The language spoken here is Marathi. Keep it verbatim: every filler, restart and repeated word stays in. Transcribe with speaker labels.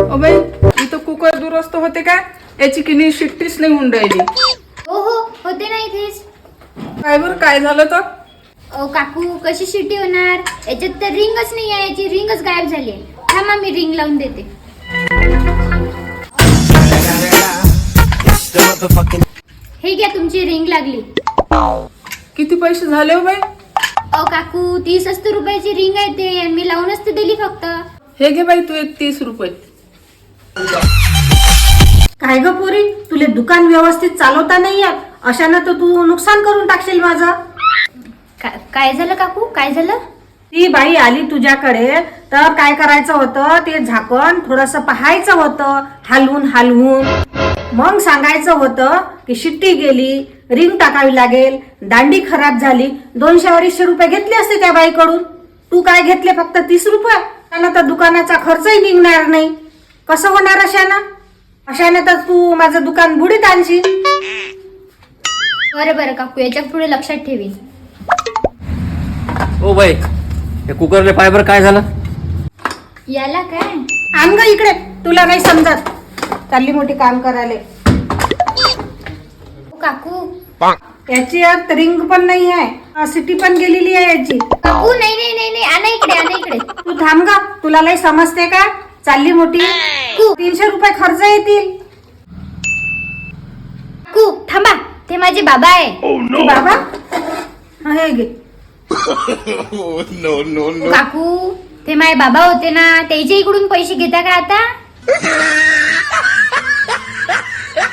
Speaker 1: ओ बाई, इथं कुकर दुरुस्त होते का? याची किनी शिट्टीच नाही होऊन राहिली.
Speaker 2: हो हो होते ना इथेच.
Speaker 1: काय बरं, काय झालं तर?
Speaker 2: ओ काकू, कशी शिट्टी होणार? याच्यात तर रिंगच नाही आहे, याची रिंगच गायब झाली आहे. थांबा, मी रिंग लावून देते. हे घ्या, तुमची रिंग लागली.
Speaker 1: किती पैसे झाले हो बाई?
Speaker 2: ओ काकू, तीस असते रुपयाची रिंग आहे ते, आणि मी लावूनच ते दिली फक्त.
Speaker 1: हे घे बाई, तू एक तीस रुपये.
Speaker 3: काय ग पोरी, तुले दुकान व्यवस्थित चालवता नाही येत, अशानं तर तू नुकसान करून टाकशील माझं.
Speaker 2: का- काय झालं काकू, काय झालं?
Speaker 3: ती बाई आली तुझ्याकडे तर काय करायचं होतं, ते झाकण थोडस पाहायचं होतं, हलवून हलवून. मग सांगायचं होतं की शिट्टी गेली, रिंग टाकावी लागेल, दांडी खराब झाली. दोनशे अडीचशे रुपये घेतले असते त्या बाईकडून. तू काय घेतले? फक्त तीस रुपये. त्यानं तर दुकानाचा खर्चही निघणार नाही. कसं होणार अशानं? अशाने तर तू माझं दुकान बुडीत आणशील.
Speaker 2: बरं बरं काकू, याच्या पुढे लक्षात ठेवी.
Speaker 4: ओ बाई, हे कुकरले फायबर काय झालं?
Speaker 2: याला काय?
Speaker 3: आण ग इकडे, तुला नाही समजत. चालली मोठी काम करायला.
Speaker 2: ओ काकू
Speaker 3: याची आत रिंग पण नाही आहे, सिटी पण गेलेली आहे याची.
Speaker 2: काकू, नाही नाही नाही नाही, आणा इकडे, आणा इकडे.
Speaker 3: तू थांब ग, तुला लय समजते का? चालली मोठी. तीनशे रुपये खर्च येतील.
Speaker 2: काकू थांबा, ते माझे बाबा आहे.
Speaker 3: तू बाबा, हा, हे घे.
Speaker 2: काकू, ते माझे बाबा होते ना, त्याच्या इकडून पैसे घेता का आता?